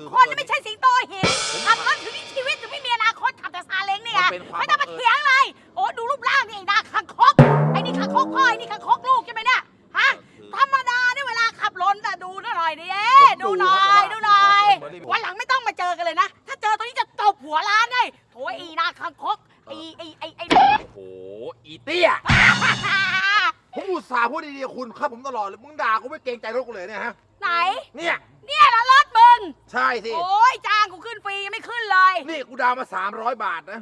คนไม่ใช่สิงโตหินขับรถถึงมีชีวิตถึงไม่มีอนาคตขับแต่ซาเล้งเนี่ยไม่ต้องมาเถียงเลยโอ้ดูรูปร่างนี่ไอ้หน้าคังคกไอ้นี่คังคกพ่อไอ้นี่คังคกลูกใช่ไหมเนี่ยฮะธรรมดาเนี่ยเวลาขับรถน่ะดูหน่อยดิดูหน่อยวันหลังไม่ต้องมาเจอกันเลยนะถ้าเจอตรงนี้จะตบหัวร้านเลยโถไอ้หน้าคังคกไอ้โอ้โหอีเตี้ยผมอุตส่าห์พูดดีๆคุณครับผมตลอดเลยมึงด่ากูไม่เกรงใจรถกูเลยเนี่ยฮะไหนเนี่ยละรถมึงใช่สิโอ้ยจ้างกูขึ้นฟรียังไม่ขึ้นเลยนี่กูดาวมา300 บาทนะ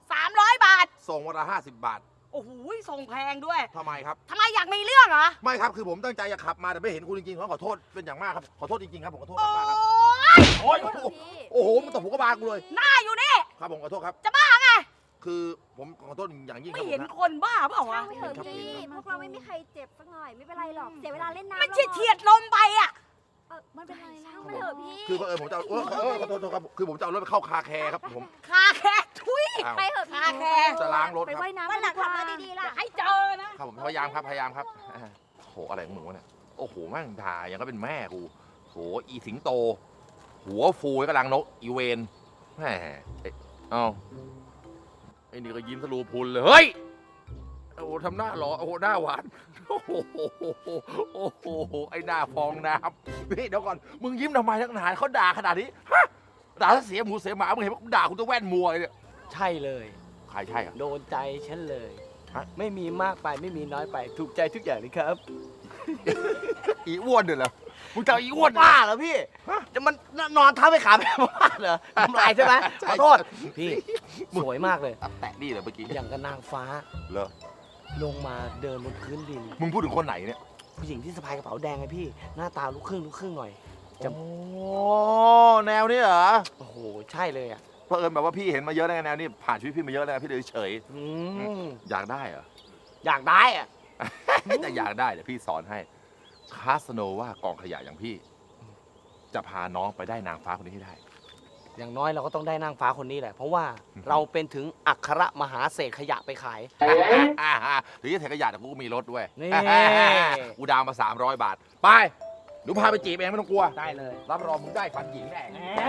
300 บาทส่งวันละ50 บาทโอ้โหส่งแพงด้วยทำไมครับทำไมอยากมีเรื่องเหรอไม่ครับคือผมตั้งใจจะขับมาแต่ไม่เห็นคุณจริงๆขอโทษเป็นอย่างมากครับขอโทษจริงๆครับผมขอโทษโอ้มากครับยโอ้ยโอ้โหมันตบหัวกระบาลกูเลยหน้าอยู่นี่ครับผมขอโทษครับจะบ้าไงคือผมขอโทษอย่างยิ่งคไม่รับผเห็นมนะคนบ้าเปล่าวะช่างไม่เถอะพี่พวกเราไม่มีใครเจ็บสักหน่อยไม่เป็นไรหรอกเสียเวลาเล่นน้ำมันเฉียดลมไปอ่ะมันเป็นไรช่างมันเถอะพี่คือผมจะขอโทษครับคือผมจะเอารถไปเข้าคาแคร์ครับผมคาแคร์ทุยอ้าวไปเถอะพี่คาแคร์จะล้างรถไปครับว่ายน้ำวันหลังขับมาดีๆล่ะให้เจอนะครับผมพยายามครับโหอะไรของหนูเนี่ยโอ้โหแม่งด่าอย่างก็เป็นแม่กูโหอีสิงโต หัวฟูกำลังนกอีเวนแหมเอ้าไอ้นี่ก็ยิ้มทะลุพุนเลยเฮ้ยโอ้โหทำหน้าหล่อโอ้โหหน้าหวานโอ้โหโอ้โหไอ้หน้าฟองน้ำนี่เดี๋ยวก่อนมึงยิ้มทำไมนักหนาเขาด่าขนาดนี้ฮะด่าถ้าเสียหมูเสียหมามึงเห็นมึงด่าคุณตัวแว่นมัวเลยเนี่ยใช่เลยใครใช่อะโดนใจฉันเลยฮะไม่มีมากไปไม่มีน้อยไป ถูกใจทุกอย่างเลยครับอีอ้วนเนี่ยเหรอมึงจะเอาอีอ้วนบ้าเหรอพี่ จะมันนอนทับไปขาแบบบ้าเหรอทำลายใช่ไหมขอโทษ พี่ สวยมากเลยแตะนี่เลยเมื่อกี้อย่างกับนางฟ้าเหรอลงมาเดินบนพื้นดินมึงพูดถึงคนไหนเนี่ยผู้หญิงที่สะพายกระเป๋าแดงไงพี่ หน้าตาลูกครึ่งหน่อย จะโอ้แนวนี้เหรอโอ้โห ใช่เลยอ่ะเพราะเอิญแบบว่าพี่เห็นมาเยอะแล้วแนวนี้ผ่านชีวิตพี่มาเยอะแล้วพี่เลยเฉยอืมอยากได้เหรออยากได้อ่ะแต่อยากได้เดี๋ยวพี่สอนให้คาสโนว่ากองขยะอย่างพี่ จะพาน้องไปได้นางฟ้าคนนี้ให้ได้อย่างน้อยเราก็ต้องได้นางฟ้าคนนี้แหละ เพราะว่าเราเป็นถึงอัครมหาเศรษฐขยะไปขายหรือจะเทขยะแต่กูก็มีรถด้วยนี่กูดาวมา300 บาท ไปหนูพาไปจีบเองไม่ต้องกลัวได้เลยรับรองมึงได้ฟันหญิงแน่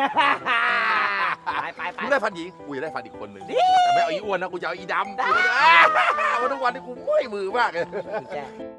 ไปมึงได้ฟันหญิงกูจะได้ฟันอีกคนหนึ่งแต่ไม่เอาอีอ้วนนะกูจะเอาอีดำวันทุกวันนี้กูเมื่อยมือมากเลยคุณแจ้